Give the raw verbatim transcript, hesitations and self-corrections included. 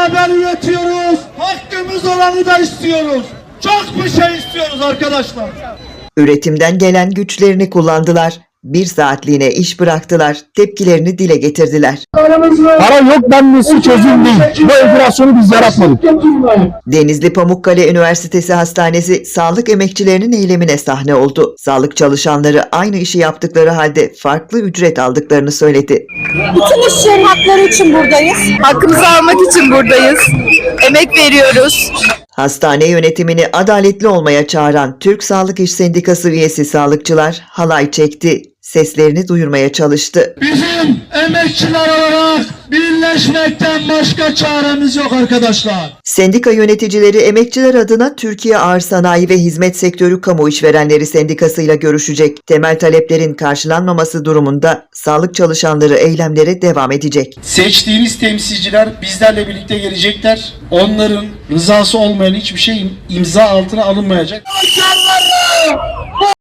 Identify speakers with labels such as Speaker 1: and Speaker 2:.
Speaker 1: beraber üretiyoruz. Hakkımız olanı da istiyoruz. Çok bir şey istiyoruz arkadaşlar.
Speaker 2: Üretimden gelen güçlerini kullandılar. Bir saatliğine iş bıraktılar. Tepkilerini dile getirdiler.
Speaker 3: Para yok denmesi çözüm değil. Bu enflasyonu biz yaratmadık.
Speaker 2: Denizli Pamukkale Üniversitesi Hastanesi sağlık emekçilerinin eylemine sahne oldu. Sağlık çalışanları aynı işi yaptıkları halde farklı ücret aldıklarını söyledi.
Speaker 4: Bütün işçilerin hakları için buradayız. Hakkımızı almak için buradayız. Emek veriyoruz.
Speaker 2: Hastane yönetimini adaletli olmaya çağıran Türk Sağlık İş Sendikası üyesi sağlıkçılar halay çekti. Seslerini duyurmaya çalıştı.
Speaker 1: Bizim emekçiler olarak birleşmekten başka çaremiz yok arkadaşlar.
Speaker 2: Sendika yöneticileri emekçiler adına Türkiye Ağır Sanayi ve Hizmet Sektörü Kamu İşverenleri Sendikası ile görüşecek. Temel taleplerin karşılanmaması durumunda sağlık çalışanları eylemlere devam edecek.
Speaker 5: Seçtiğimiz temsilciler bizlerle birlikte gelecekler. Onların rızası olmayan hiçbir şey imza altına alınmayacak.
Speaker 1: Çalışanları